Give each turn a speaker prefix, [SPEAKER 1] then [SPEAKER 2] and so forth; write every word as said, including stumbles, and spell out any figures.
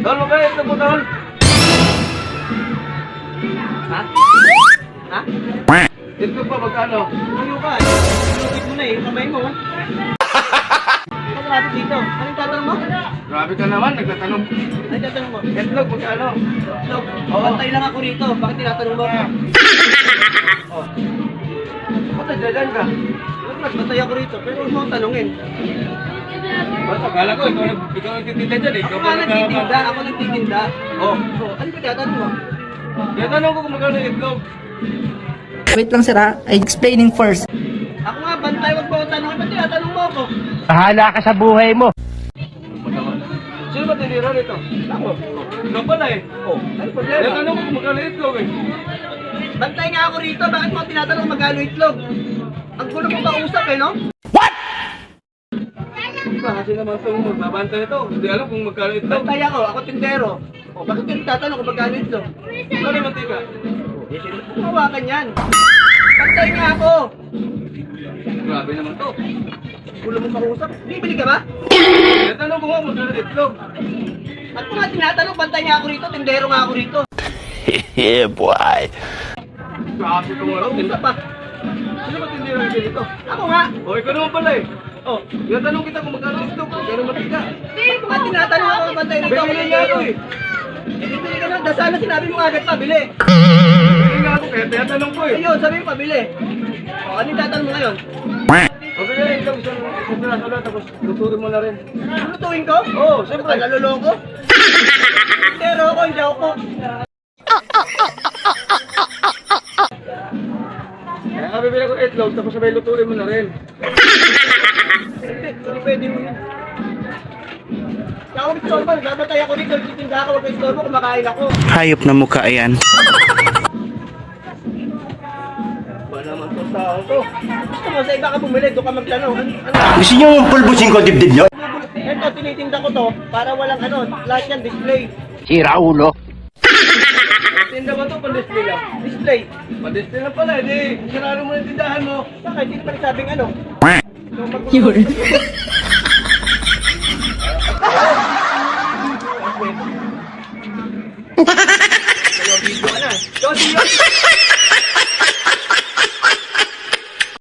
[SPEAKER 1] Tol, magkano itlog mo, tol? Ha? Ha? Itlog pa, magkano?
[SPEAKER 2] Ano ka? Inulit mo na eh. Kamay mo. Ano natin dito? Anong tatanong mo?
[SPEAKER 1] Grabe ka naman, nagtatanong.
[SPEAKER 2] Anong tatanong mo?
[SPEAKER 1] Itlog, magkano?
[SPEAKER 2] Itlog. Oh, bantay lang ako rito. Bakit tinatanong mo ako?
[SPEAKER 1] Oh. Ba't nandiyan ka?
[SPEAKER 2] Nagbantay ako rito. Pero huwag mo akong tanungin.
[SPEAKER 1] Ba't akala ko, ikaw nag- ikaw nagtitinda dyan eh.
[SPEAKER 2] Ako
[SPEAKER 1] Ikaw
[SPEAKER 2] nga
[SPEAKER 1] pa
[SPEAKER 2] nagtitinda. Ako nagtitinda.
[SPEAKER 1] Oh.
[SPEAKER 2] Oh, ano ba tinatanong mo?
[SPEAKER 1] Tinatanong ko kung magkano yung itlog.
[SPEAKER 3] Wait lang sir ha, I'm explaining first.
[SPEAKER 2] Ako nga bantay. Huwag mo akong tanungin. Ba't tinatanong mo ako?
[SPEAKER 4] Bahala ka sa buhay mo.
[SPEAKER 1] Sino ba tinira nito?
[SPEAKER 2] Ako.
[SPEAKER 1] Ikaw pala eh.
[SPEAKER 2] Oh, ano problema?
[SPEAKER 1] Tinatanong ko kung magkano yung itlog eh.
[SPEAKER 2] Bantay nga ako rito. Bakit mo tinatanong magkano itlog? Ang gulo mo kausap eh, no?
[SPEAKER 1] Di ba, kasi naman ito magbabantay ito. Hindi alam kung magkano itlog.
[SPEAKER 2] Bantay ako. Ako tindero. Oh, bakit ka nagtatanong kung magkano itlog?
[SPEAKER 1] Magkano yung mantika?
[SPEAKER 2] Eh, sino mo hawakan yan? Bantay nga ako.
[SPEAKER 1] Grabe naman to.
[SPEAKER 2] Gulo mo kausap. Bibili ka ba?
[SPEAKER 1] Tinatanong ko nga kung magkano yung itlog.
[SPEAKER 2] At kung nga tinatanong, bantay nga ako rito. Tindero nga ako rito.
[SPEAKER 4] Yeah, boy.
[SPEAKER 1] Grabe itong araw.
[SPEAKER 2] Kausap pa.
[SPEAKER 1] Sino ba tinira yung dito?
[SPEAKER 2] Ako nga.
[SPEAKER 1] O, ikaw naman pala eh. Oh, tinatanong kita kung magkano yung itlog. Magkano mantika?
[SPEAKER 2] At kung nga tinatanong ako, bantay rito.
[SPEAKER 1] Bibili nga ako eh.
[SPEAKER 2] Eh, bibili ka na. Sana sinabi mo agad pa, bili.
[SPEAKER 1] Bibili nga ako kaya tinatanong ko eh.
[SPEAKER 2] Ayun, sabi mo, pabili. O, ano yung tatanong mo ngayon?
[SPEAKER 1] O, bili na itlog. Isang isang piraso lang tapos luturin mo na rin.
[SPEAKER 2] Lutuin ko?
[SPEAKER 1] Oo, oh, siyempre.
[SPEAKER 2] Baka naluloko? Pero ako, hindi ako cook.
[SPEAKER 1] Kaya ka bibili ko itlog tapos sabay luturin mo na rin.
[SPEAKER 2] Hindi, hindi pwede mo yun. Kaya ako nagsorbo, nagbabatay ako rito, nagtitinda ako, huwag kayo sorbo, kumakain ako.
[SPEAKER 4] Hayop na mukha yan.
[SPEAKER 2] Ba naman itong tao to? Gusto mo, sa iba ka bumili, doon ka magplano. Ano? ano?
[SPEAKER 4] Gusto nyo pulbusin ko dibdib nyo?
[SPEAKER 2] Ito, tinitinda ko to, para walang ano, lahat yan, display.
[SPEAKER 4] Sira ulo.
[SPEAKER 1] Tinda ba ito? Pan-display lang.
[SPEAKER 2] Display.
[SPEAKER 1] Pan-display lang pala. Hindi, sarado mo yung tindahan mo.
[SPEAKER 2] Saka, hindi pa nagsabing ano.
[SPEAKER 3] Yun.
[SPEAKER 2] Yun.